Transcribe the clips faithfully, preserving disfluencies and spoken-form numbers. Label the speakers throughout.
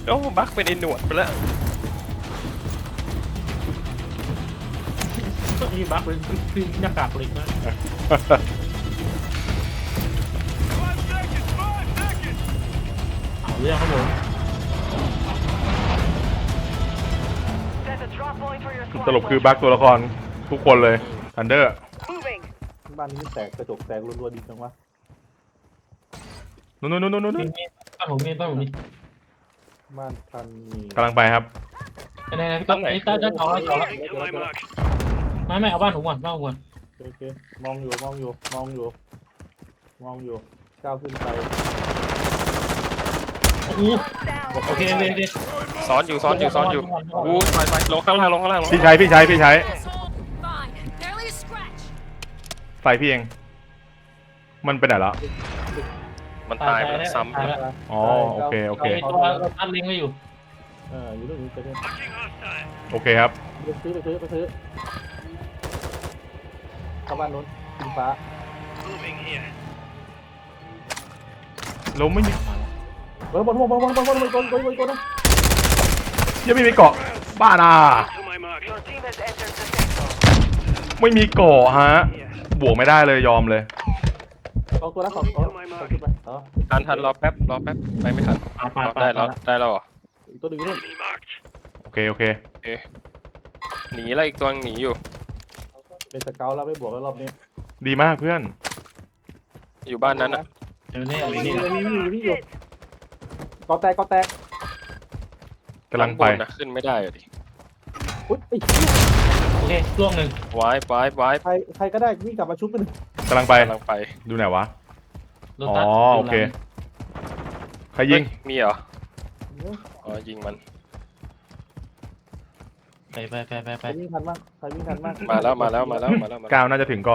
Speaker 1: โอ้บักเป็นไอ้หนวดไปแล้ว
Speaker 2: นี่บักเป็นคือหน้ากากเหล็กนะเอาเรื่องครับผม
Speaker 3: สรุปคือบั๊กตัวละครทุกคนเลยทันเดอร์
Speaker 4: บ้านนี้แตกกระจกแตกรัวๆดีจังวะ
Speaker 3: นู่นนู่นนู่นนู่น
Speaker 2: บ้านผมมีบ้านผมมี
Speaker 4: บ้านทันมี
Speaker 3: กำลังไปครับ
Speaker 2: ไหนๆพี่ต้นไอ้ต้าจะต่อต่อไม่ไม่เอาบ้านผมก่อนบ้านผมก่อน
Speaker 4: โอเคมองอยู่มองอยู่มองอยู่มองอยู่ก้าวขึ้นไป
Speaker 2: โอ้โหโอเคโอเคโอเค
Speaker 1: ซ้อนอยู่ซ้อนอยู่ซ้อนอยู่อู้ไปไปลงข้างล่างลงข้างล่าง
Speaker 3: พี่ใช้พี่ใช้พี่ใช้ใส่พี่เองมันเป็นไหนแล้ว
Speaker 1: มันตายไปแล้วซ้ำ
Speaker 2: ตายแล้ว
Speaker 3: อ๋อโอเคโอเค
Speaker 2: ไอ้ตัวเราตั้งลิงก์ไว้อยู่
Speaker 4: เอออยู่ตรงนี้ไปเลย
Speaker 3: โอเคครับ
Speaker 4: ไปซื้อไปซื้อไปซื้อเข้าบ้านนู้นกินฟ้า
Speaker 3: เราไม่มี
Speaker 4: เออบนบนบนบนบนบนบนบนบนบนบน
Speaker 3: ยังไม่มีเกาะบ้าน่ะไม่มีเกาะฮะบวกไม่ได้เลยยอมเลย
Speaker 4: เอาตัวละสองตัวขึ้นไปอ๋อ
Speaker 1: ทันทันรอแป๊บรอแป๊บไปไม่ทัน
Speaker 2: ปาปาปา
Speaker 1: ได้แล้วได้แล้วเหรอ
Speaker 4: อีกตัวหนึ่งนู่น
Speaker 3: โอเคโอเค
Speaker 1: เอ๊ะหนีแล้วอีกตัวหนีอยู่
Speaker 4: เป็นสเกลแล้วไม่บวกแล้วรอบนี้
Speaker 3: ดีมากเพื่อน
Speaker 1: อยู่บ้านนั้นอ่ะ
Speaker 2: เดี๋ยวนี้
Speaker 4: อยู่
Speaker 2: นี่
Speaker 4: นี่อยู่นี่อยู่นี่อยู่กอแตกกอแตก
Speaker 3: กำลังไป
Speaker 1: ข้าบนนะขึ้นไม่ได้อะดิ
Speaker 4: อุ้ยไอ้
Speaker 2: โอเคช่วงหนึ่ง
Speaker 1: ไว้ไว้ไว้
Speaker 4: ใครใครก็ได้วิ่งกลับมาชุบกัน
Speaker 3: กำลังไป
Speaker 1: กำลังไป
Speaker 3: ดูไหนวะ
Speaker 2: รถ
Speaker 3: อ๋อ
Speaker 2: ตัด
Speaker 3: โอเคใครยิง
Speaker 1: เฮ้มีเหรออ๋อยิงมัน
Speaker 2: ไปไปไปไป
Speaker 4: ใค
Speaker 2: ไป
Speaker 4: รวิ่งทันบ้างใครวิ่งทันบ้าง
Speaker 1: มาแล้วมาแล้วมาแล้วมาแล้วมาแล้ว
Speaker 3: ก้าวน่าจะถึงก่อน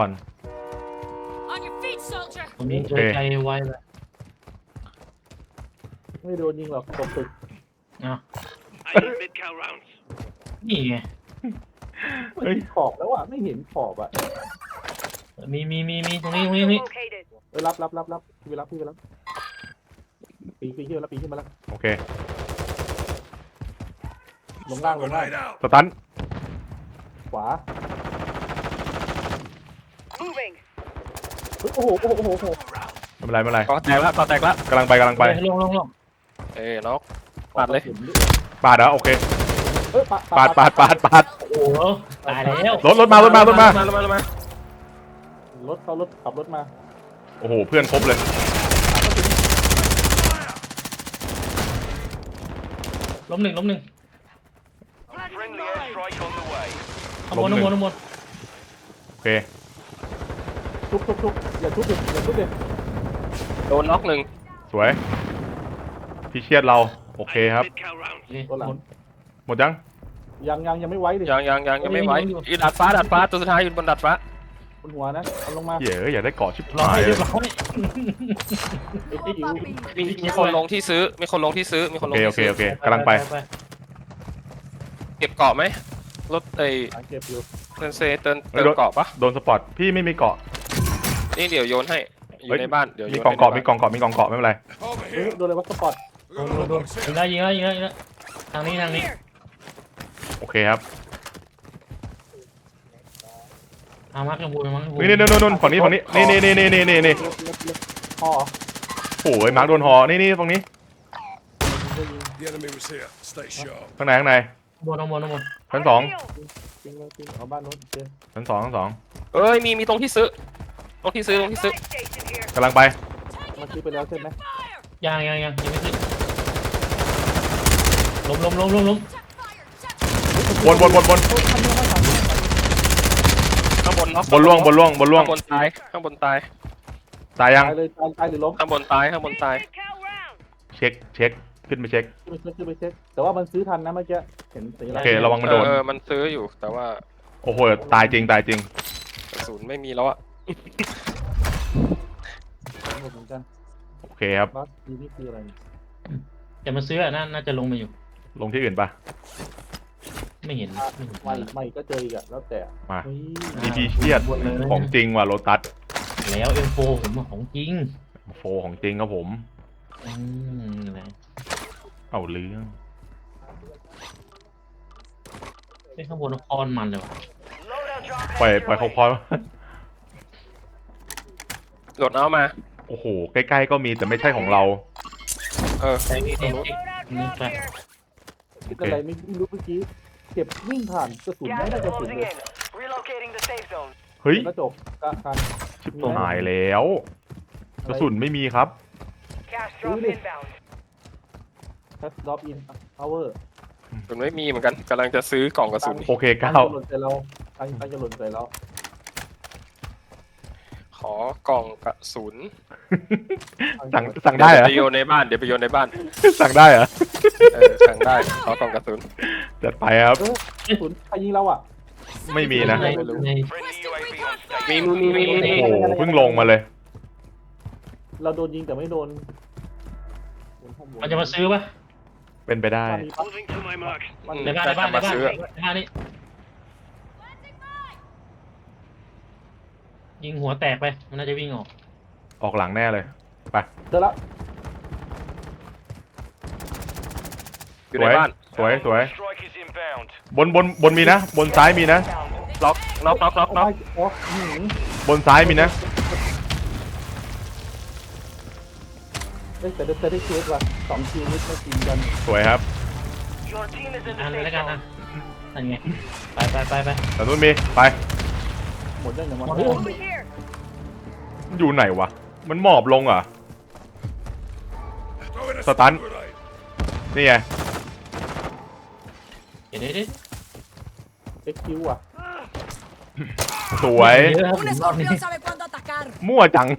Speaker 2: ตรงนี้ช่วยใจไวเลย
Speaker 4: ไม่โดนยิงหรอกตกตึก
Speaker 2: อ่ะนี่ไง
Speaker 3: เฮ้ย
Speaker 4: ขอบแล้วอ่ะไม่เห็นขอบอ่ะ
Speaker 2: มีมีมีมีตรงนี้ตรงนี้ตรงนี้
Speaker 4: เอ้ยรับรับรับรับพี่ไปรับพี่ไปรับปีนปีนขึ้นมาแล้วปีนขึ้นมาแล้ว
Speaker 3: โอเค
Speaker 4: ลงล่างลงล่าง
Speaker 3: สตัน
Speaker 4: ขวาเฮ้ยโอ้โหโอ้โหโอ้โหโอ้โห
Speaker 3: ไม่เป็นไรไม่เป็นไร
Speaker 1: ก็แตกละก็แตกละ
Speaker 3: กำลังไปกำลังไป
Speaker 2: ลงลงลง
Speaker 1: เอ้ยน็อกปัดเลย
Speaker 3: ปาดแล้วโอเค
Speaker 4: เอ้ย
Speaker 3: ปาดปาดปาดปาด
Speaker 2: โอ้โหตายแล้ว
Speaker 3: รถรถมารถมารถมา
Speaker 1: มามามา
Speaker 4: รถเขารถขับรถมา
Speaker 3: โอ้โหเพื่อนครบเลย
Speaker 2: ล้มหนึ่งล้มหนึ่งข้างบน
Speaker 3: ล้
Speaker 2: ข้าม ง
Speaker 3: หนึ่ง
Speaker 2: บนข้างบน
Speaker 3: โอเค
Speaker 4: ชุบชุบชุบอย่าชุบดิอย่าชุบดิ
Speaker 1: โดนน็อกหนึ่ง
Speaker 3: สวยพี่เชียดเราโอเคครับ
Speaker 4: ตัวหลัง
Speaker 3: หมดยัง
Speaker 4: ยังยังยังไม่ไว้ดิ
Speaker 1: ยังยังยังยังไม่ไหวอีดัดฟ้าดัดฟ้าตัวสุดท้ายอยู่บนดัดฟ้า
Speaker 4: บนหัวนะเอาลงมา
Speaker 3: เหี้ยอยากได้เกาะชิบ
Speaker 2: รอ
Speaker 3: หาย
Speaker 2: ให้
Speaker 3: เล
Speaker 2: เรี
Speaker 3: ย
Speaker 2: ยบร้อย
Speaker 4: ไอ้ที่อยู่
Speaker 1: มีมีคนลงที่ซื้อมีคนลงที่ซื้อมีคน
Speaker 3: โอ
Speaker 1: ลง
Speaker 3: เคโอ
Speaker 1: ที่
Speaker 3: เค
Speaker 1: ซื้อ
Speaker 3: โอเคกำลังไป
Speaker 1: เก็บเกาะไหมรถไอ้
Speaker 4: หาเก็บอยู่
Speaker 1: เตินเซเตินเติมเกาะปะ
Speaker 3: โดนสปอตพี่ไม่มีเกาะ
Speaker 1: นี่เดี๋ยวโยนให้อยู่ในบ้านเดี๋ยวโย
Speaker 3: มี
Speaker 1: น
Speaker 3: กองเกาะมีกองเกาะมีกองเกาะไม่เป็นไร
Speaker 4: เฮ้ยโดนอะไรวะสปอร์ต
Speaker 2: โดนโดนโดนยิงแล้วยิงแล้วยิงแล้วยิงแล้วทางนี้ทางนี้
Speaker 3: โอเคครับ
Speaker 2: ทางมาร์คยังบูทางมาร์คยังบู
Speaker 3: นี่นี่นู่นนู่นฝั่งนี้ฝั่งนี้นี่นี่นี่นี่นี่นี่นี่
Speaker 4: เล็กเล็กเล็กพอ
Speaker 3: โอ้ยมาร์คโดนหอนี่นี่ฝั่งนี้
Speaker 5: The enemy was here. Stay sharp.
Speaker 3: ข้างในข้างใน
Speaker 2: บนข้างบนข้างบน
Speaker 3: ชั้นสอง
Speaker 4: จริงเลยจริงเอาบ้านนู้นเจอ
Speaker 3: ชั้นสองชั้นสอง
Speaker 1: เอ้ยมีมีตรงที่ซื้อตรงที่ซื้อตรงที่ซื้อก
Speaker 3: ำลังไป
Speaker 4: มันซื้อไปแล้วใช่ไหม
Speaker 2: ยังยังยังยังไม่ขึ้นล้มล้มล้มล้มล้ม
Speaker 3: บนบนบนบน
Speaker 1: ข้างบนน็อก
Speaker 3: บนล่วงบนล่วงบนล่วง
Speaker 1: ข้างบนตายข้างบนตาย
Speaker 3: ตายยัง
Speaker 4: ตายเลยตายตายหรือล้ม
Speaker 1: ข้างบนตายข้างบนตาย
Speaker 3: เช็คเช็คขึ้นไปเช็ค
Speaker 4: ขึ้นไปเช็คขึ้นไปเช็คแต่ว่ามันซื้อทันนะเมื่อกี้เห็นสีอะไร
Speaker 3: โอเคระวังมันโดน
Speaker 1: เออมันซื้ออยู่แต่ว่า
Speaker 3: โอ้โหตายจริงตายจริง
Speaker 1: กระสุนไม่มีแล้วอะ
Speaker 4: หมดเหมือนกัน
Speaker 3: โอเคครับ
Speaker 4: บัสดีนี่คืออะไร
Speaker 2: แต่มันซื้ออ่ะน่าน่าจะลงมาอยู่
Speaker 3: ลงที่อื่นปะ
Speaker 2: ไม่เห็นไม่เห็น
Speaker 4: ไม่ไม่ก็เจออีกอะแล้วแต่
Speaker 3: มา
Speaker 4: เฮ้ย
Speaker 3: ดีพีเชียดของจริงว่ะโลตัส
Speaker 2: แล้วเอ็มโฟผมของจริง
Speaker 3: โฟของจริงครับผม
Speaker 2: อืมนะ
Speaker 3: เอาเรื่อง
Speaker 2: ไอ้ข้างบนคอนมันเลยว่ะ
Speaker 3: ปล่อยปล่อยเขาพอ
Speaker 1: โหลดเอามา
Speaker 3: โอ้โหใกล้ๆก็มีแต่ไม่ใช่ของเรา
Speaker 1: เออ
Speaker 2: ไอ้นี่นี่นี่ไป
Speaker 3: โอเค
Speaker 4: อะไรไม่รู้เมื่อกี้เก็บวิ่งผ่านกระสุนไม่ได้กระสุนเลย
Speaker 3: เฮ้ย
Speaker 4: กระจกกระคัน
Speaker 3: ชิบหายแล้ว กระสุนไม่มีครับ
Speaker 4: แคสดรอปอินพาวเวอร์
Speaker 1: ผมไม่มีเหมือนกันกำลังจะซื้อกล่องกระสุน
Speaker 3: โอเค
Speaker 4: ตั
Speaker 3: เก้าง
Speaker 4: จะหล่นใส่เราตังตังจะหล่นใส่เรา
Speaker 1: ขอกล่องกระสุน
Speaker 3: สั่งสั่งได้เหรอ
Speaker 1: เดี๋ยวไปโยนในบ้านเดี๋ยวไปโยนในบ้าน
Speaker 3: สั่งได้เหรอ
Speaker 1: เออสั่งได้ขอกล่องกระสุน
Speaker 3: จัดไปครับ
Speaker 4: เออกระสุนใครยิงเราอ่ะ
Speaker 3: ไม่มีนะ
Speaker 2: ในใน
Speaker 1: มีมีมีมี
Speaker 3: โอ้โหเพิ่งลงมาเลย
Speaker 4: เราโดนยิงแต่ไม่โดน
Speaker 2: มันจะมาซื้อปะ
Speaker 3: เป็นไปได้
Speaker 4: มัน
Speaker 2: ในบ้านในบ้านในบ้านในบ้านนี่ยิงหัวแตกไปมันน่าจะวิ่งออก
Speaker 3: ออกหลังแน่เลย ไป
Speaker 4: เจอละ
Speaker 1: อยู่ในบ้าน
Speaker 3: สวยสวยบนบนบนมีนะ บนซ้ายมีนะ
Speaker 1: ล็อกล็อกล็อกล็อกล็อก
Speaker 4: โอ้หืม
Speaker 3: บนซ้ายมีนะ
Speaker 4: เอ้ยแต่ได้แต่ได้เคสว่ะสองทีมนิดไม่ตีกัน
Speaker 3: สวยครับ
Speaker 2: อ่านเลยแล้วกันนะนั่นไงไปไปไปไป
Speaker 3: แต่นู้นมี ไป
Speaker 4: หมดยังอย่าง
Speaker 2: หม
Speaker 4: มั
Speaker 2: ด
Speaker 4: น
Speaker 2: แล้ว
Speaker 3: อยู่ไหนวะ มันหมอบลงเหรอ่ะ
Speaker 5: Throwing a
Speaker 3: Satan.
Speaker 5: stun grenade.
Speaker 3: นี่ไง
Speaker 2: เดี๋ยวเดี๋ยวเดี๋ยว
Speaker 4: เอ็กคิวอ่ะ
Speaker 3: สวย
Speaker 2: เยอะครับ
Speaker 6: Un
Speaker 2: รอบนี้
Speaker 6: escorpión sabe cuándo atacar.
Speaker 3: มั่วจัง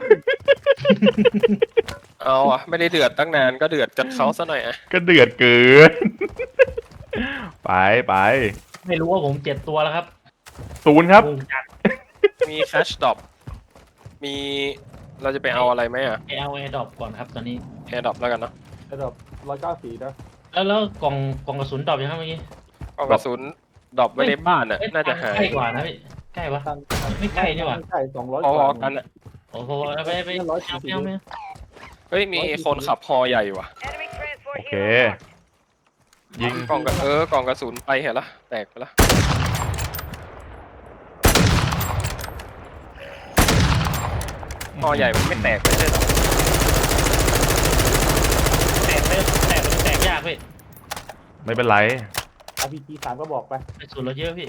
Speaker 1: เอาอ่ะไม่ได้เดือดตั้งนานก็เดือดจัดเขาซะหน่อยอ่ะ
Speaker 3: ก็เดือดเกิน ไปไป
Speaker 2: ไม่รู้ว่าผมเจ็ดตัวแล้วครับ
Speaker 3: ศูนย์ครับ
Speaker 2: วงจัด
Speaker 1: มีแคชดอปมีเราจะไปเอาอะไรไหมอ่ะ
Speaker 2: เอลเอดรอปก่อนครับตอนนี้
Speaker 1: แอร์ดอปแล้วกันเนาะ
Speaker 4: ไอ้ดอกร้อยเก้าสี่นะ
Speaker 2: แล้วแล้วกล่องกล่องกระสุนดรอปยังครับเมื่อกี้
Speaker 1: กล่องกระสุนดรอปไว้ในบ้านอ่ะ
Speaker 2: เอ้ย
Speaker 1: น่าจะหาย
Speaker 2: ใกล้กว่านะพี่ใกล้ปะ
Speaker 4: ตัน
Speaker 2: ไม่ใกล้นี่หว่า
Speaker 4: ใกล้สองร้อย
Speaker 1: พ
Speaker 4: กว่า
Speaker 1: อๆกันอ่ะ
Speaker 2: โอ้โหไปไปไปเอาไปเอาไป
Speaker 1: เฮ้ยมีคนขับฮอใหญ่ว่ะ
Speaker 3: โอเค ยิง
Speaker 1: กล่องกระเออกล่องกระสุนไปเห็นละแตกไปละ ฮอใหญ่มันไม่แตกไม่ใช่หรอ
Speaker 2: แตกไปแตกมันแตกยากพี่
Speaker 3: ไม่เป็นไร
Speaker 4: อาร์พีจีสามก็บอกไป
Speaker 2: ไปสูนเราเยอะพี่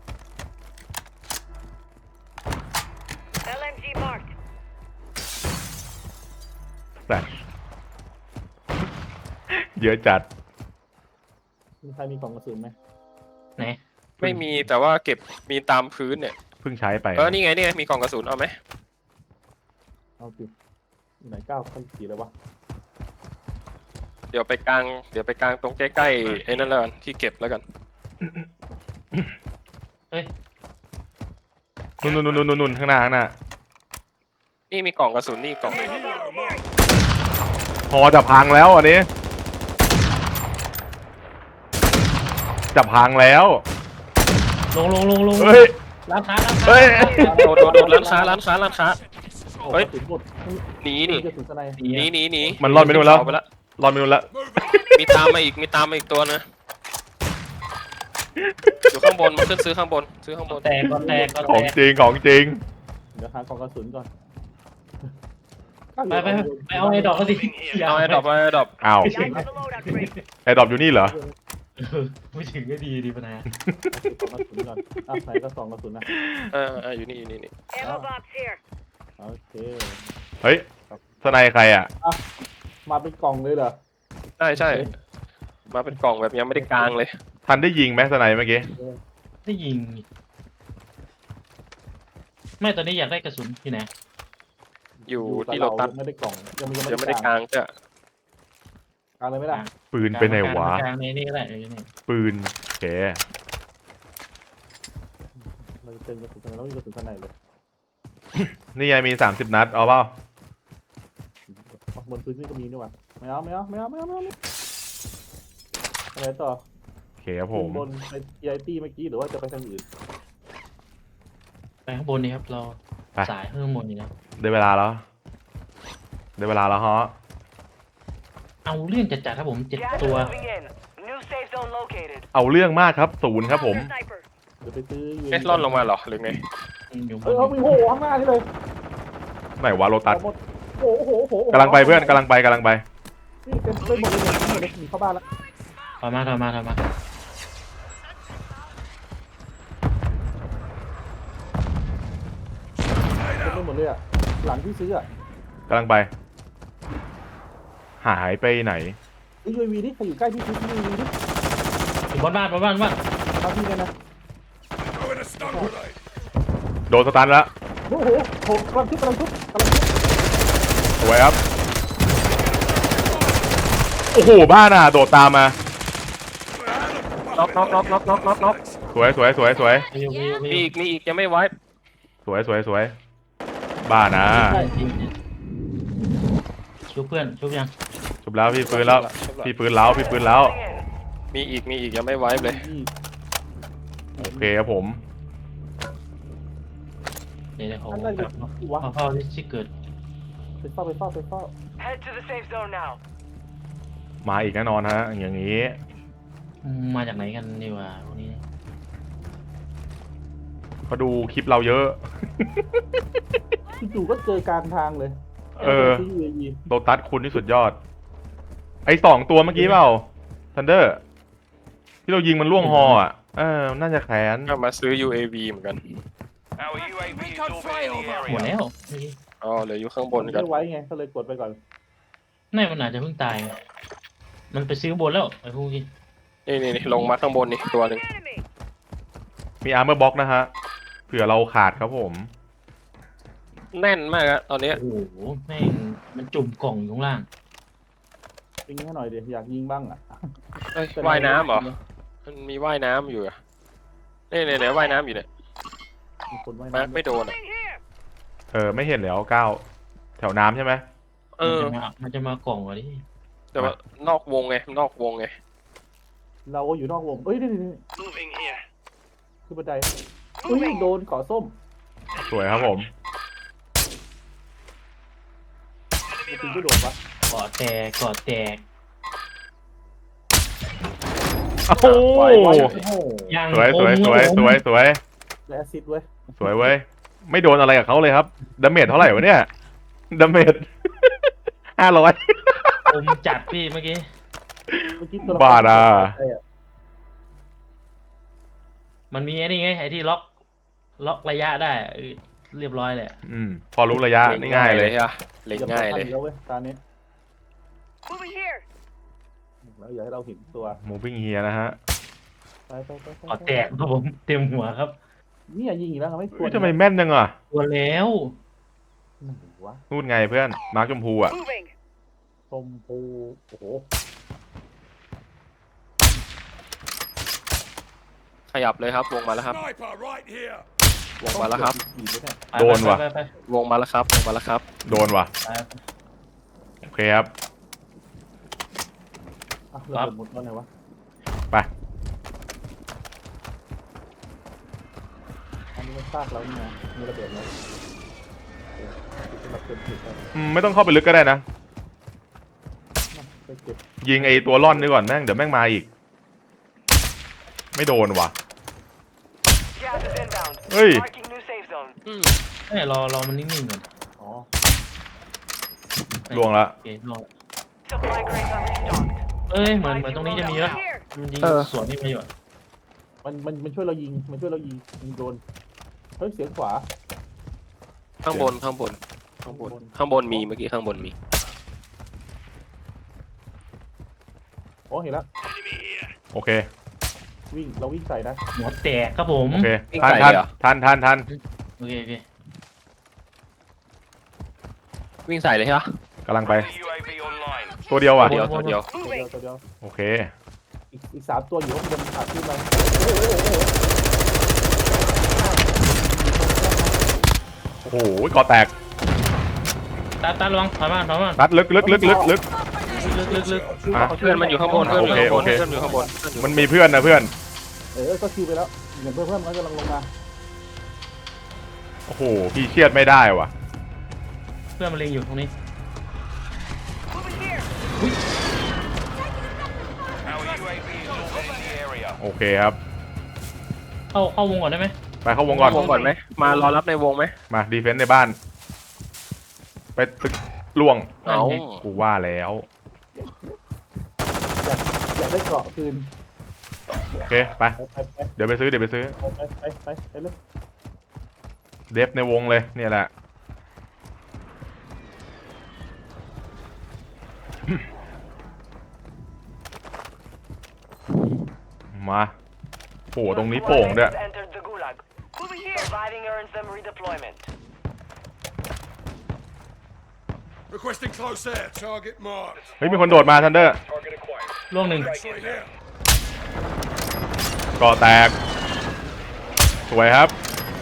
Speaker 3: แต่ เยอะจัด
Speaker 4: มีใครมีกล่องกระสุนไหม
Speaker 2: ไหน
Speaker 1: ไม่มีแต่ว่าเก็บมีตามพื้นเนี่ย
Speaker 3: เพิ่งใช้ไป
Speaker 1: เออนี่ไงนี่ไงมีกล่องกระสุนเอาไหม
Speaker 4: เอาสิไหนเก้าพันสี่เลยวะ
Speaker 1: เดี๋ยวไปกลางเดี๋ยวไปกลางตรงใกล้ๆไอ้นั่นแล้วกันที่เก็บแล้วกัน
Speaker 2: เฮ้ย
Speaker 3: นุ่นนุ่นนุ่นนุ่นนุ่นข้างหน้าข้างหน้า
Speaker 1: นี่มีกล่องกระสุนนี่กล่อง
Speaker 3: พอจะพังแล้วอันนี้ จะพังแล้ว
Speaker 2: ลงลงลงลง
Speaker 3: เฮ้ย
Speaker 2: ร้านค้าร้านค้า
Speaker 3: เฮ้ย
Speaker 1: โดนโดนโดนร้านค้าร้านค้าร้านค้า
Speaker 4: โอ้
Speaker 1: เฮ้ย
Speaker 4: กระสุนหมด
Speaker 1: หนีนี่
Speaker 4: กระสุนสไน
Speaker 1: หนีหนีหนี
Speaker 3: มันรอดไปนู่นแล้ว
Speaker 1: ไปละ
Speaker 3: รอดไปนู่นละ
Speaker 1: มีตามมาอีกมีตามมาอีกตัวนะอยู่ข้างบนมาขึ้นซื้อข้างบนซื้อข้างบน
Speaker 2: แตกก็แตกก็
Speaker 3: ของ
Speaker 2: แตก
Speaker 3: จริงของจริง
Speaker 4: เดี๋ยวหากล่องกระสุนก่อน
Speaker 2: ไปไปไปเอาไอ้ดอกเขาสิ
Speaker 1: เอาไอ้ดอกเอาไอ้ดอก
Speaker 3: อ้าวไอ้ดรอปอยู่นี่เหรอ
Speaker 2: ไม่ถึงก็ดีดีปะนะ
Speaker 4: กล่องกระสุนก่อนอ่ะไหนก็สองกระสุนนะ
Speaker 1: เออเอออยู่นี่อยู่นี่นี่
Speaker 4: โอเค
Speaker 3: เฮ้ยสไนใครอ่ะ
Speaker 4: มาเป็นกล่องเลยเหรอ
Speaker 1: ใช่ใช่มาเป็นกล่องแบบยังไม่ได้กลางเลย
Speaker 3: ทันได้ยิงไหมสไนเมื่อกี้
Speaker 2: ได้ยิงไม่ตอนนี้อยากได้กระสุนที่ไหน
Speaker 1: อยู่
Speaker 4: กับ
Speaker 1: ที่โรตัส
Speaker 4: ยังไม่ได้กล่องยังไม่
Speaker 1: ยังไม่ได้กลางจ้ะ
Speaker 4: กลางเลยไม่ได้
Speaker 3: ปืนไปไหนวะ
Speaker 2: กลางในนี่ก็ได้เออนี่
Speaker 3: ปืนโอเค
Speaker 4: เราจะเจอกระสุนสไนแล้วมีกระสุนสไนเลย
Speaker 3: นี่ไงมีสามสิบนัด เอาเปล่า
Speaker 4: บนพื้นนี่ก็มีนี่หว่าไม่เอาไม่เอาไม่เอาไม่เอาไม่เอาอะไรต่อ
Speaker 3: โอเคครับผม
Speaker 4: ขึ้นบนไป ที ไอ ตี้เมื่อกี้หรือว่าจะไปทางอื่น
Speaker 2: ไปข้างบนนี่ครับเรา
Speaker 3: ไป
Speaker 2: สายข้างบนนี่นะ
Speaker 3: ได้เวลาแล้ว ได้เวลาแล้วฮะ
Speaker 2: เอาเรื่องจัดจัดครับผมเจ็ด
Speaker 6: Gas is
Speaker 2: ตัว
Speaker 6: moving in. New safe zone located.
Speaker 3: เอาเรื่องมากครับศูนย์ครับผม
Speaker 6: Sniper.
Speaker 4: เดี๋ยวไปซื้อ
Speaker 1: เอ๊ะร่อนลงมาเหรอหรือไง
Speaker 2: อยู่บ
Speaker 4: เออเอา
Speaker 2: น
Speaker 4: มีโหข้างหน้านี่เลย
Speaker 3: ไหนวะโลตัส
Speaker 4: เอาหมดโอ้โหโอ้โหโอ้โห
Speaker 3: กำลังไปเพื่อนกำลังไปกำลังไป
Speaker 4: นี่เป็นเป็นหมดเลยเนี่ยหมดเลยหนีเข้าบ้านแล้ว
Speaker 2: ถอยมาถอยมาถอยมา
Speaker 4: เป็นไปหมดเลยอ่ะหลังที่ซื้ออ่ะ
Speaker 3: กำลังไป หายไปไหน
Speaker 4: ไอ้ยูวีนี่ใครอยู่ใกล้ที่ซื้อยูวีนี่
Speaker 2: อยู่บนบ้านบนบ้านบนบ้าน
Speaker 4: มาที่กันนะ
Speaker 5: Throwing a stun grenade.
Speaker 3: โดนสตันแล้ว
Speaker 4: โอ้โหโหกำลังทุบกำลังทุบกำลังทุบ
Speaker 3: สวยครับ โอ้โห บ้านอ่ะ โดดตามมา
Speaker 1: น็อกน็อกน็อกน็อกน็อกน็อกน็อก
Speaker 3: สวยสวยสวยสวย
Speaker 2: วิววิววิ
Speaker 1: มี
Speaker 2: ว
Speaker 1: อีกมีอีกยังไม่ไว้
Speaker 3: สวยสวยสวย บ้านนะ
Speaker 2: ชุบเพื่อนชุบยัง
Speaker 3: จบแล้วพี่ปืนแล้ว พี่ปืนแล้วพี่ปืนแล้ว
Speaker 6: Moving in.
Speaker 1: มีอีกมีอีกยังไม่ไว้เลย
Speaker 4: นี่
Speaker 3: โอเคครับผม
Speaker 2: เดี๋ยวเดี๋ยวขอ
Speaker 4: อันนั้น
Speaker 2: กลับ
Speaker 4: วะ
Speaker 2: มาเข้าที่ที่เกิด
Speaker 4: ไปเฝ้าไปเฝ้าไปเฝ้า
Speaker 6: Head to the safe zone now.
Speaker 3: มาอีกแน่นอนฮะ อย่างนี้
Speaker 2: อืมมาจากไหนกันดีวะพวกนี้
Speaker 3: เขาดูคลิปเราเยอะ
Speaker 4: จู่ๆก็เจอกลางทางเลย
Speaker 3: เออ
Speaker 4: ซื้อยูวี
Speaker 3: โลตัสคุณที่สุดยอด ไอ้สองตัวเมื่อกี้เปล่าทันเดอร์ ที่เรายิงมันล่วงฮออ่ะ เออ น่าจะแขน
Speaker 1: ก็มาซื้อ ยู เอ วี เหมือนกัน
Speaker 5: Our U A V is orbiting the
Speaker 2: หมด
Speaker 5: area.
Speaker 2: แล้วเมื่อกี้
Speaker 1: อ๋อเหลืออยู่ข้างบนกัน
Speaker 4: ไม่ไว้ไงก็เลยกดไปก่อน
Speaker 2: นี่มันอาจจะเพิ่งตาย มันไปซื้อบนแล้วไอ้พวกนี้
Speaker 1: นี่นี่นี่ลงมาข้างบนนี่ตัวหนึ่ง
Speaker 6: Enemy.
Speaker 3: มีอาร์เมอร์บ็อกนะฮะ เผื่อเราขาดครับผม
Speaker 1: แน่นมากอะตอนเนี้ย
Speaker 2: โอ้โหแม่งมันจุ่มกล่องอยู่ข้างล่าง
Speaker 4: ยิงให้หน่อยเดี๋ยวอยากยิงบ้างอ่ะ
Speaker 1: เอ้ยว่ายน้ำเหรอ มันมีว่ายน้ำอยู่อะนี่เนี่ยเนี่ยว่ายน้ำอยู่เนี่ย
Speaker 4: มีคนว่าย
Speaker 1: มาร์ค
Speaker 4: น้ำ
Speaker 1: ไม่โดนอะ
Speaker 6: Moving here.
Speaker 3: เออ ไม่เห็นแล้วก้าวแถวน้ำใช่ไหม
Speaker 1: เออ
Speaker 2: มันจะมามันจะมากล่องเหรอดิ
Speaker 1: แต่ว่านอกวงไงนอกวงไง
Speaker 4: เราก็อยู่นอกวงเอ้ยนี่นี่นี่
Speaker 5: Moving here.
Speaker 4: คือบันไดอุ้ยโดนเกาะส้ม
Speaker 3: สวยครับผม
Speaker 4: มันถึงไม่โดนวะ
Speaker 2: กอดแตกกอดแตก
Speaker 3: โอ้โห
Speaker 1: ไวไว
Speaker 4: โอ้โห
Speaker 2: ยัง
Speaker 3: สวยสวยสวยสวยสวย
Speaker 4: และแอซิดเว้ย
Speaker 3: สวยเว้ย ไม่โดนอะไรกับเขาเลยครับดาเมจเท่าไหร่วะเนี่ยดาเมจ ห้าร้อย
Speaker 2: อมจัดพี่เมื่อกี้
Speaker 4: เมื่อกี้ตัวละคร
Speaker 3: บ้าน่ะ
Speaker 4: ไอ้อะ
Speaker 2: มันมีไอ้นี่ไงไอ้ที่ล็อกล็อกระยะได้เออเรียบร้อยเลยอะ
Speaker 3: อืม พอรู้ระยะนี่ง่ายเลย
Speaker 1: อะเล็งง่ายเลย
Speaker 4: แล้วเว้ยตาเนี้ย
Speaker 6: Moving here.
Speaker 4: แล้วอย่าให้เราเห็นตัว
Speaker 3: moving here นะฮะ
Speaker 4: ไปไปไปไป
Speaker 2: กอดแตกครับผมเต็มหัวครับ
Speaker 4: เนี่ยยิงอีกแล้วไม่คว
Speaker 3: เฮ้
Speaker 4: ร
Speaker 3: ยทำไมแม่นจังอ่ะ
Speaker 2: ตัวแล้ว
Speaker 4: ไหนวะ
Speaker 3: นู่นไงเพื่อน มาร์คชมพูอ่ะ
Speaker 6: Moving.
Speaker 4: ชมพูโอ้โห
Speaker 1: ขยับเลยครับ วงมาแล้วครับ
Speaker 5: Sniper right here.
Speaker 1: วงมาแล้วครับ
Speaker 4: อีกด้วยเนี่ย
Speaker 2: ไป
Speaker 3: โดนว่ะ
Speaker 2: ไปไปไป
Speaker 1: วงมาแล้วครับ วงมาแล้วครับ
Speaker 3: โดนว่ะ
Speaker 2: ไป
Speaker 3: โอเคครับ
Speaker 4: อ่ะเราหมดแล้วไงวะ
Speaker 3: ไป
Speaker 4: อันนี้มันซากแล้วนี่นะมีระเบิดแล้วเราเก็บเก็บไป
Speaker 3: อืม ไม่ต้องเข้าไปลึกก็ได้นะ
Speaker 4: ไปเก็บ
Speaker 3: ยิงไอ้ตัวร่อนนี่ก่อนแม่งเดี๋ยวแม่งมาอีก ไม่โดนว่ะ
Speaker 6: Gas is inbound.
Speaker 3: Hey.
Speaker 6: Marking new safe zone.
Speaker 1: อืม
Speaker 2: ไม่รอรอมันนิ่งๆก่อน
Speaker 4: อ๋อ
Speaker 3: ล่วงละ
Speaker 2: โอเครอ
Speaker 6: Supply crates are restocked.
Speaker 2: เอ้ยเหมือนเหมือนตรงนี้จะมีแล้ว
Speaker 6: Here.
Speaker 2: มันยิง
Speaker 1: เออ
Speaker 2: สวนนี่มาอยู่อะ
Speaker 4: มันมันมันช่วยเรายิงมันช่วยเรายิงยิงโดนเฮ้ยเสียงขวา
Speaker 1: ข้างบนข้างบน ข้างบน ข้างบนมีเมื่อกี้ข้างบนมี
Speaker 4: อ๋อเห็นแล้ว
Speaker 3: โอเค
Speaker 4: วิ่งเราวิ่งใส่นะ
Speaker 2: หัวแตกครับผม
Speaker 3: โอเค ทันทันทันทันทัน
Speaker 2: โอเคโอเค
Speaker 1: วิ่งใส่เลยใช่ปะ
Speaker 3: กำลังไป
Speaker 5: U A V online.
Speaker 3: ตัวเดียวว่ะ
Speaker 1: ตัวเดียวตัวเดียว
Speaker 4: ตัวเดียวตัวเดียว
Speaker 3: โอเค
Speaker 4: อีกอีกสามตัวอยู่ข้างบนขาดขึ้นไปโอ้โหโอ้โหโอ้โห
Speaker 3: โอ้โหก่อแตก
Speaker 2: ตาตาระวังถอยมาถอยมา
Speaker 3: ตัดลึกลึกลึกลึกลึก
Speaker 2: ลึกลึกลึก
Speaker 3: อ่ะ
Speaker 1: เพื่อนมันอยู่ข้างบน เพื่อนมันอยู่ข้างบน
Speaker 3: โอเค
Speaker 1: เพื่อนมันอยู่ข้างบนเพื่อนอยู่
Speaker 3: มันมีเพื่อนนะเพื่อน
Speaker 4: เออก็คิวไปแล้วเหมือนเพื่อนเพื่อนมันกำลังลงมา
Speaker 3: โอ้โห พี่เชียดไม่ได้ว่ะ
Speaker 2: เพื่อนมันเล็งอยู่ตรงนี้
Speaker 6: Moving here.
Speaker 3: โอเคครับ
Speaker 2: เข้าเข้าวงก่อนได้ไหม
Speaker 3: ไปเข้าวงก่อน
Speaker 1: วงก่อนไหมมารอรับในวงไหม
Speaker 3: มาดีเฟนส์ในบ้าน ไปตึกล่วง
Speaker 1: เอา
Speaker 3: กูว่าแล้ว
Speaker 4: อยากอยากได้เกราะคืน
Speaker 3: โอเคไป
Speaker 4: ไปไป
Speaker 3: เดี๋ยวไปซื้อเดี๋ยวไปซื้อ
Speaker 4: ไปไปไปไปไปเลย
Speaker 3: เดฟในวงเลยเนี่ยแหละ มาโอ้โหตรงนี้โป่งด้วย
Speaker 6: Squad mates entered the gulag. Moving here. Surviving earns them redeployment.
Speaker 5: Requesting close air. Target marked.
Speaker 3: เฮ้ยมีคนโดดมาทันเดอร์
Speaker 2: ล่วงหนึ่ง
Speaker 5: X-ray here.
Speaker 3: ก่อแตก สวยครับ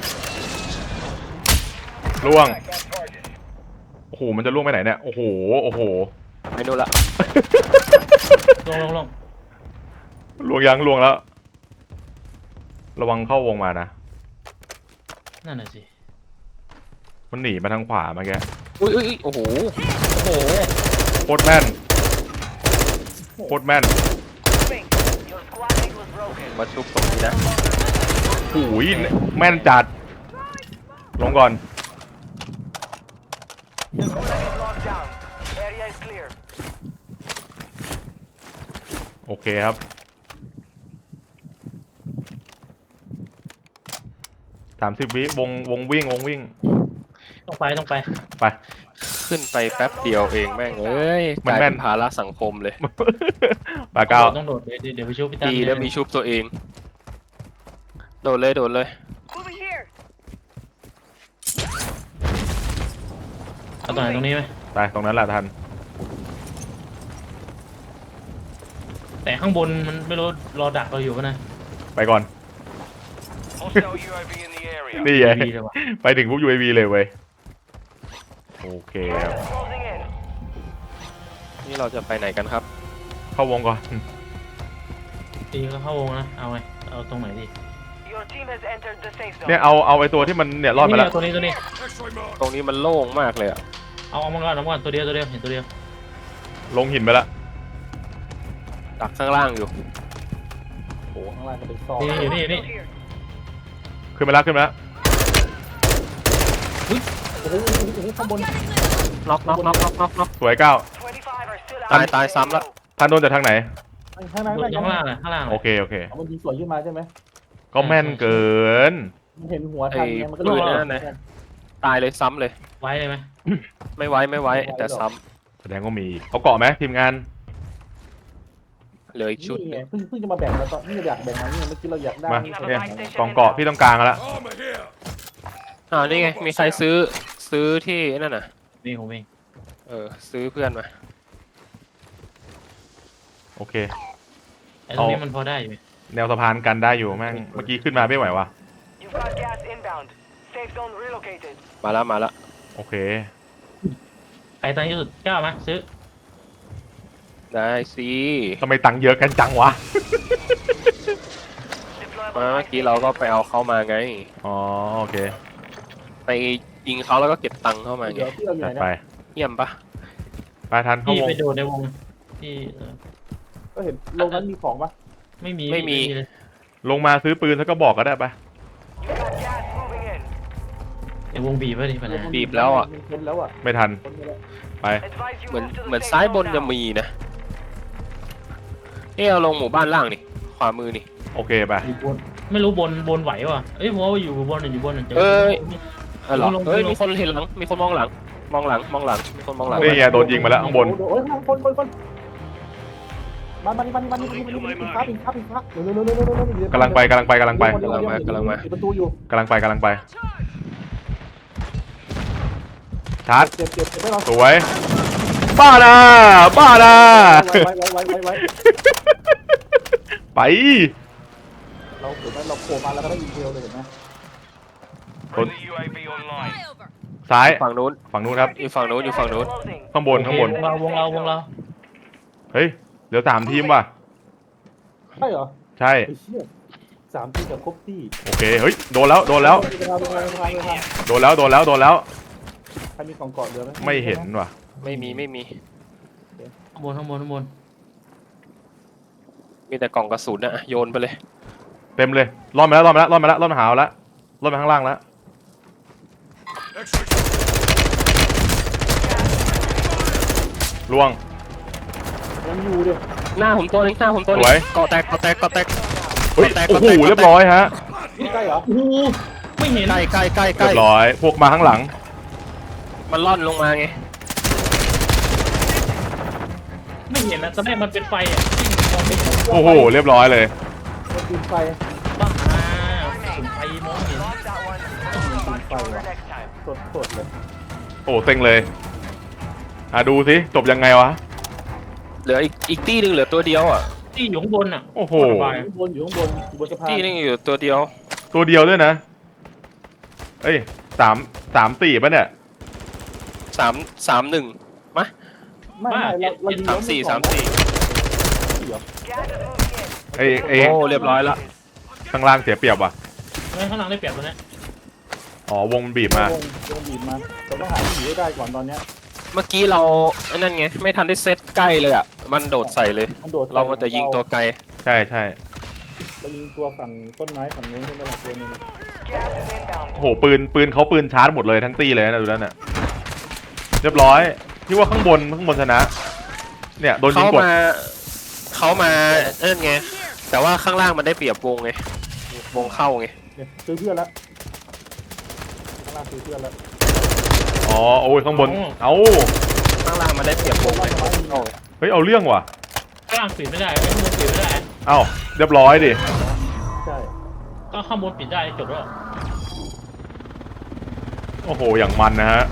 Speaker 3: ล่วง โอ้โหมันจะล่วงไปไหนเนี่ยโอ้โหโอ้โห
Speaker 1: ไม่นู่นละ
Speaker 2: ลงลงลง
Speaker 3: ล่วงยังล่วงแล้ว ระวังเข้าวงมานะ
Speaker 2: นั่นน่ะสิ
Speaker 3: มันหนีมาทางขวาเมื่อกี้
Speaker 1: อุ้ยอุ้ยอุ้ยโอ้โห
Speaker 2: โอ้โห
Speaker 3: โคตรแม่นโคตรแม่น
Speaker 6: Moving. Your squad mate was broken.
Speaker 1: มาชุบตรงนี้นะ
Speaker 3: โอ้ยแม่นจัด ลงก่อน
Speaker 6: Gulag is locked down. Area is clear.
Speaker 3: โอเคครับ สามสิบวิวงวงวิ่งวงวิ่ง
Speaker 2: ต้องไปต้องไป
Speaker 3: ไป
Speaker 1: ขึ้นไปแป๊บเดียวเองแม่งเอ้ย
Speaker 3: มัน
Speaker 1: กลาย
Speaker 3: แม่
Speaker 1: เป็น นภาระสังคมเลย
Speaker 3: ปาเก้า
Speaker 2: ต้องโดดเดี๋ยวเดี๋ยวไปช่วยพี่ตั้ม
Speaker 1: ดีแล้วมีชุบตัวเอง โดดเลยโดดเลย
Speaker 6: Moving here.
Speaker 2: เอาตรงไหนตรงนี้ไหม
Speaker 3: ไปตรงนั้นแหละทัน
Speaker 2: แต่ข้างบนมันไม่รู้รอดักเราอยู่ปะนะ
Speaker 3: ไปก่อน
Speaker 6: Hostile U A V in the area.
Speaker 3: นี่ไง
Speaker 2: ดีเลยว่ะ
Speaker 3: ไปถึงพวก ยู เอ วี เลยเว้ย โอเคครับ
Speaker 6: Closing in.
Speaker 1: นี่เราจะไปไหนกันครับ
Speaker 3: เข้าวงก่อน
Speaker 2: ดีก็เข้าวงนะเอาไงเอาตรงไหนดี
Speaker 6: Your team has entered the safe zone.
Speaker 3: เนี่ยเอาเอาไอตัวที่มันเนี่ยรอดมาแล้ว
Speaker 2: นี่ตัวนี้ตัวนี้
Speaker 5: X-ray marked.
Speaker 1: ตรงนี้มันโล่งมากเลยอะ
Speaker 2: เอาเอามาก่อนเอามาก่อนตัวเดียวตัวเดียวเห็นตัวเดียว
Speaker 3: ลงหินไปแล้ว
Speaker 1: ดักข้างล่างอยู่
Speaker 4: โอ้โหข้างล่างก็เป็นซอก
Speaker 2: นี่อยู่นี่อยู่นี่
Speaker 6: Here.
Speaker 3: ขึ้นมาแล้วขึ้นมาแล้ว
Speaker 4: โอ้โหโอ้โหโอ้โหข้างบน
Speaker 1: น็อกน็อกน็อกน็อกน็อกน็อก
Speaker 3: สวยเก้า
Speaker 6: twenty-five are still
Speaker 1: ตาย
Speaker 6: out.
Speaker 1: ตายซ้ำละ
Speaker 3: ท่านโดนจากทางไหน
Speaker 4: ข้างล่าง
Speaker 2: อยู่ข้างล่างอะข้างล่าง
Speaker 3: โอเคโอเค
Speaker 4: เอามันยิงสวนขึ้นมาใช่ไหม
Speaker 3: ก็แม่นเกิน
Speaker 4: มันเห็นหัวทันไงมันก็
Speaker 1: ปืน
Speaker 4: โด
Speaker 1: นั่นนะตายเลยซ้ำเลย
Speaker 2: ไว้เลยไหม
Speaker 1: ไม่ไว้ไม่ไว้แต่ซ้
Speaker 3: แสดงว่ามีอีกเอาเกาะไหมทีมงาน
Speaker 1: ำเหลืออีกชุด
Speaker 4: นี่
Speaker 1: ห
Speaker 4: ไง
Speaker 1: นึ่ง
Speaker 4: เพิ่งเพิ่งจะมาแบ่งมาตอนนี่อยากแบ่งมานี่เมื่อกี้เราอยากได้
Speaker 3: มา
Speaker 4: นี่
Speaker 3: เนี่ยกองเกาะพี่ต้องกลางแล้ว
Speaker 5: Armor here.
Speaker 1: อ่านี่ไงมีใครซื้อซื้อที่นั่นน่ะ
Speaker 2: นี่ผมเอง
Speaker 1: เออซื้อเพื่อนมา
Speaker 3: โอเค
Speaker 2: ไอ้ตรงนี้มันพอได้อยู่
Speaker 3: แนวสะพานกันได้อยู่แม่งเมื่อกี้ขึ้นมาไม่ไหววะ
Speaker 6: You've got gas inbound. Safe zone relocated.
Speaker 1: มาแล้วมาแล้ว
Speaker 3: โอเค
Speaker 2: ใครตังค์เยอะสุดกล้ามาซื้อ
Speaker 1: ได้สิ
Speaker 3: ทำไมตังค์เยอะกันจังวะ
Speaker 1: เพราะเมื่อกี้เราก็ไปเอาเขามาไง
Speaker 3: อ๋อโอเค
Speaker 1: ไปยิงเขาแล้วก็เก็บตังค์เข้ามาไง
Speaker 4: เดี๋ยวที่เราอยู่
Speaker 3: จั
Speaker 4: ไห
Speaker 3: ด
Speaker 4: น
Speaker 3: ไป
Speaker 4: นะ
Speaker 1: เยี่ยมปะ
Speaker 3: ไปทันเข้า
Speaker 2: พี่
Speaker 3: วง
Speaker 2: ไปโดดในวงที่เออ
Speaker 4: ก็เห็นลงนั้นมีของปะ
Speaker 2: ไม่มี
Speaker 1: ไม่มี
Speaker 2: เลย
Speaker 3: ลงมาซื้อปืนแล้วก็บอกก็ได้ปะ
Speaker 6: You got gas moving in.
Speaker 2: ไอ้วงบีบไว้ดิปัญหา
Speaker 1: บีบแล้วอ่ะ
Speaker 4: เห็นแล้วอ่ะ
Speaker 3: ไม่ทัน
Speaker 4: คนไปแล้ว
Speaker 3: ไป
Speaker 6: Advise you
Speaker 1: เหมือน
Speaker 6: move to the
Speaker 1: เหมือน
Speaker 6: safe
Speaker 1: ซ้ายบ
Speaker 6: zone
Speaker 1: นจะ
Speaker 6: now.
Speaker 1: มีนะเอ๊ะเอาลงหมู่บ้านล่างนี่ขวามือนี่
Speaker 3: โอเคไป
Speaker 4: อยู่บน
Speaker 2: ไม่รู้บนบนไหววะเอ้ยผมว่าอยู่บนอยู่บนเจอ
Speaker 1: เอ้ยเออเหรอ
Speaker 2: ลงลง
Speaker 1: เฮ้ย
Speaker 2: ลง
Speaker 1: มีคนเห็นหลังมีคนมองหลัง มองหลังมองหลังมีคนมองหลัง
Speaker 3: นี่ไงโดนยิงมาแล้วข้างบน
Speaker 4: โอ้ยข้างล่างคนคนคนมามานี่มานี่มานี่มานี่มานี่ปิดฟ้าปิดฟ้าปิดฟ้าเร็วเร็วเร็วเร็วเร็วเร็ว
Speaker 3: กำลังไปกำลังไปกำลังไป
Speaker 1: กำลังมากำลังมา
Speaker 4: ปิดประตูอยู่
Speaker 3: กำลังไปกำลังไป ชาร์จ
Speaker 4: เจ็บเจ็บเจ็บไม่เรา
Speaker 3: สวย บ้านะบ้านะ
Speaker 4: ไว้ไว้ไว้ไว้ไว้
Speaker 3: ไป
Speaker 4: เราเห็นไหมเราโผล่มาแล้วก็ได้ยิงเดียวเลยเห็นไหม
Speaker 3: ต้นซ้าย
Speaker 1: ฝั่งนู้น
Speaker 3: ฝั่งนู้นครับ
Speaker 1: อยู่ฝั่งนู้นอยู่ฝั่งนู้น
Speaker 6: Closing.
Speaker 3: ข้างบนข้างบน
Speaker 2: วงเราวงเราวงเรา
Speaker 3: เฮ้ยเหลือสามทีมว่ะ
Speaker 4: ใช่เหรอ
Speaker 3: ใช่
Speaker 4: ไอ้เชี่ยสามทีกับครบที่
Speaker 3: โอเค เฮ้ย โดนแล้ว โดนแล้ว
Speaker 4: เวลาเวลาเวลาเวลา
Speaker 3: โดนแล้ว โดนแล้ว โดนแล้ว
Speaker 4: ใครมีกล่องเกาะเรือไหม
Speaker 3: ไม่เห็นว่ะ
Speaker 1: ไม่มีไม่มี
Speaker 2: ข้างบนข้างบนข้างบน
Speaker 1: มีแต่กล่องกระสุนอะโยนไปเลย
Speaker 3: เต็มเลยรอดมาแล้วรอดมาแล้วรอดมาแล้วรอดมาหาวแล้วรอดมาข้างล่างแล้ว
Speaker 5: Extra.
Speaker 3: ล่วง
Speaker 4: ยังอยู่ดิ
Speaker 1: หน้าผมตัวนึงหน้าผมตัวนึ
Speaker 3: ส
Speaker 1: ง
Speaker 3: วย
Speaker 1: เกาะแตกเกาะแตกเกาะแตก
Speaker 3: เฮ้ย
Speaker 1: แตก
Speaker 3: โอ้โห
Speaker 1: แตก
Speaker 3: เรียบร้อยฮะ
Speaker 4: นี่ใกล้เหรอ
Speaker 2: โอ้โหไม่เห็น
Speaker 1: ใกล้ใกล้ใกล้ใก
Speaker 3: เรี
Speaker 1: ล้
Speaker 3: ยบร้อยพวกมาข้างหลัง
Speaker 1: มันล่อนลงมาไง
Speaker 2: ไม่เห็นนะตอนแรกมันเป็นไฟอ่ะมองไม่เห็น
Speaker 3: โอ้โหเรียบร้อยเลย
Speaker 4: มันปืนไฟ
Speaker 2: บ้าสุนไฟมองไม่เห็น
Speaker 6: Lock that one. Mark it for next time.
Speaker 4: สดสดเลย
Speaker 3: โอ้เซ็งเลยอ่ะดูสิจบยังไงวะ
Speaker 1: เหลืออีกอีกตี้หนึงเหลือตัวเดียวอ่ะ
Speaker 2: ที่อยู่ข้างบนอ่ะ
Speaker 3: โอ้โห
Speaker 2: สบาย
Speaker 4: อยู่ข้างบนอยู่ข้างบนอยู่บนสะพาน
Speaker 1: ตี้หนึงอยู่ตัวเดียว
Speaker 3: ตัวเดียวด้วยนะเอ้ยสามสามสี่ป่ะเนี่ย
Speaker 1: สามสามหนึ่งมะ
Speaker 4: ไม่ไม่เราเรายิง
Speaker 1: สามสี่สามสี่
Speaker 6: Gas is moving in.
Speaker 3: ไอ้ไอ้
Speaker 1: โอ้เรียบร้อยละ
Speaker 3: ข้างล่างเสียเปรียบว่ะ
Speaker 2: เฮ้ยข้างหลังได้เปรียบตัวเนี้ย
Speaker 3: อ๋อวงมันบีบมา
Speaker 4: วงวงบีบมาเราต้องหาที่อยู่ให้ได้ก่อนตอนเนี้ย
Speaker 1: เมื่อกี้เราไอ้นั่นไงไม่ทันได้เซตใกล้เลยอ่ะมันโดดใส่เลย
Speaker 4: มันโดด
Speaker 1: เรามันจะยิงตัวไกล
Speaker 3: ใช่ใช่
Speaker 4: เรายิงตัวฝั่งต้นไม้ฝั่งนู้นใช่ไหมล่ะตัวหนึง
Speaker 6: Gas is inbound.
Speaker 3: โอ้โหปืนปืนเขาปืนชาร์จหมดเลยทั้งตี้เลยนะดูแล้วเนี่ยเรียบร้อยที่ว่าข้างบนข้างบนชนะ เนี่ยโดนยิง
Speaker 1: เขา
Speaker 3: กด
Speaker 1: มาเขามาเอิ้นไงแต่ว่าข้างล่างมันได้เปรียบวงไงวงเข้าไง
Speaker 4: เนี่ยซื้อเพื่อนแล้วข้างล่างซื้อเพื่อนแล้ว
Speaker 3: อ๋อโอ้ยข้างบนเอ้า
Speaker 1: ข้างล่างมันได้เปรียบวงไงเข้าไง
Speaker 3: เฮ้ยเอาเรื่องว่ะ
Speaker 2: ข้างล่างปิดไม่ได้ข้างบนปิดไม่ได้
Speaker 3: เอ้าเรียบร้อยดิ
Speaker 4: ใช่
Speaker 2: ก็ข้างบนปิดได้จบแล้ว
Speaker 3: โอ้โหอย่างมันนะฮะ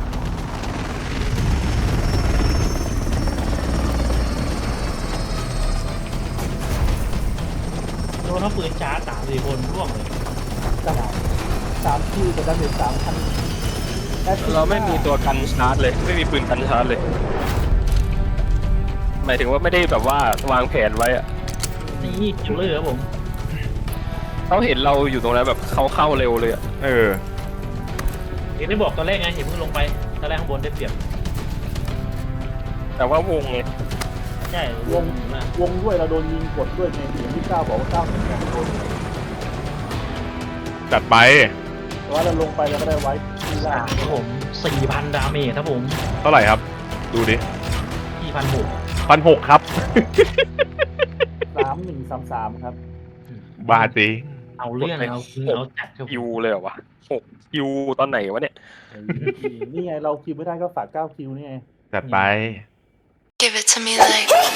Speaker 2: โดนทั้งปืนชาร์จสามสี่คนร่วงเลย
Speaker 4: สามสามที่จะได้เป็นสามพัน
Speaker 1: เราไม่มีตัวกันชาร์จเลยไม่มีปืนกันชาร์จเลยหมายถึงว่าไม่ได้แบบว่าวางแผนไว้อะ
Speaker 2: นี่คิวเลอร์ครับผม
Speaker 1: เขาเห็นเราอยู่ตรงนั้นแบบเขาเข้าเร็วเลยอะ
Speaker 3: เออ
Speaker 2: เห็นได้บอกตอนแรกไงเห็นเพิ่งลงไปตอนแรกข้างบนได้เปรียบ
Speaker 1: แต่ว่าวงไง
Speaker 2: ใช่
Speaker 4: วงวงด้วยเราโดนยิงกดด้วยไงอย่างที่เก้าบอกว่าเก้าสิบแปดโดน
Speaker 3: จัดไป
Speaker 4: แต่ว่าเราลงไปเราก็ได้ไว้ที่ล่า
Speaker 2: สาง มครับผมสี่พันดาเมจครับผม
Speaker 3: เท่าไหร่ครับ ดูดิ
Speaker 2: สี่พันหก
Speaker 3: พันหกครับ
Speaker 4: สามหนึ่งสามสามครับ
Speaker 3: บาจริง
Speaker 2: เอาเรื่องเอาคือเอาจัดครับ
Speaker 1: คิวเลยเหรอวะหกคิวตอนไหนวะเนี่ย
Speaker 4: นี่ไงเราคิวไม่ได้ก็ฝากเก้าคิวนี่ไง
Speaker 3: จัดไป
Speaker 7: Give it to me like